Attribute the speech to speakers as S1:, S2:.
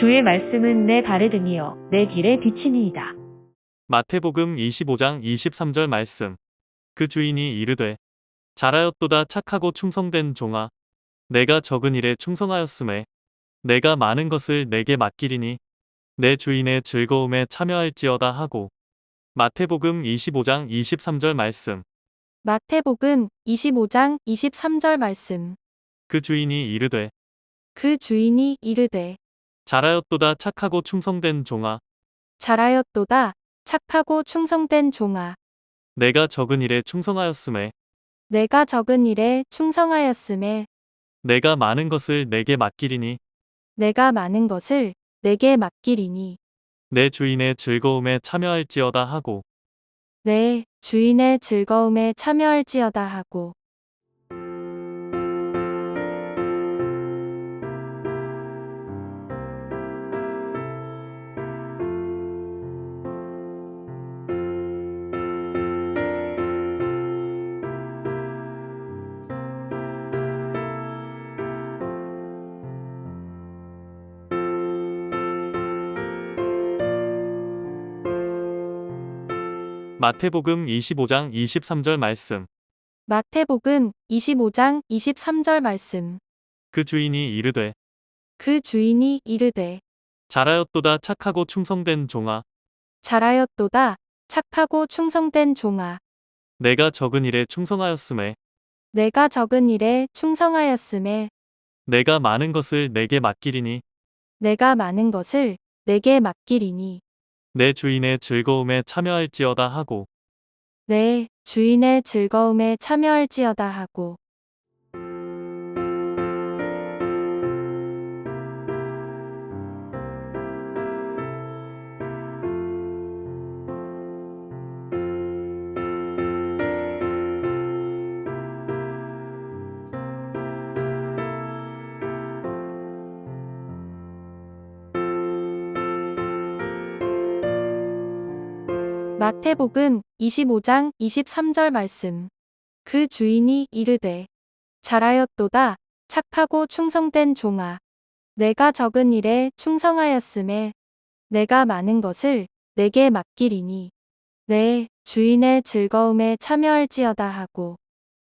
S1: 주의 말씀은 내 발에 등이요 내 길에 비치니이다.
S2: 마태복음 25장 23절 말씀. 그 주인이 이르되 잘하였도다 착하고 충성된 종아 내가 적은 일에 충성하였음에 내가 많은 것을 내게 맡기리니 내 주인의 즐거움에 참여할지어다 하고. 마태복음 25장 23절 말씀.
S3: 마태복음 25장 23절 말씀.
S2: 그 주인이 이르되
S3: 그 주인이 이르되
S2: 잘하였도다 착하고 충성된 종아
S3: 잘하였도다 착하고 충성된 종아
S2: 내가 적은 일에 충성하였음에
S3: 내가 적은 일에 충성하였음에
S2: 내가 많은 것을 내게 맡기리니
S3: 내가 많은 것을 내게 맡기리니
S2: 내 주인의 즐거움에 참여할지어다 하고.
S3: 내 주인의 즐거움에 참여할지어다 하고.
S2: 마태복음 25장 23절 말씀.
S3: 마태복음 25장 23절 말씀.
S2: 그 주인이 이르되
S3: 그 주인이 이르되
S2: 잘하였도다 착하고 충성된 종아
S3: 잘하였도다 착하고 충성된 종아
S2: 내가 적은 일에 충성하였음에
S3: 내가 적은 일에 충성하였음에
S2: 내가 많은 것을 내게 맡기리니
S3: 내가 많은 것을 내게 맡기리니
S2: 내 주인의 즐거움에 참여할지어다 하고.
S3: 내 주인의 즐거움에 참여할지어다 하고. 마태복음 25장 23절 말씀. 그 주인이 이르되 잘하였도다 착하고 충성된 종아 내가 적은 일에 충성하였음에 내가 많은 것을 내게 맡기리니 내 주인의 즐거움에 참여할지어다 하고.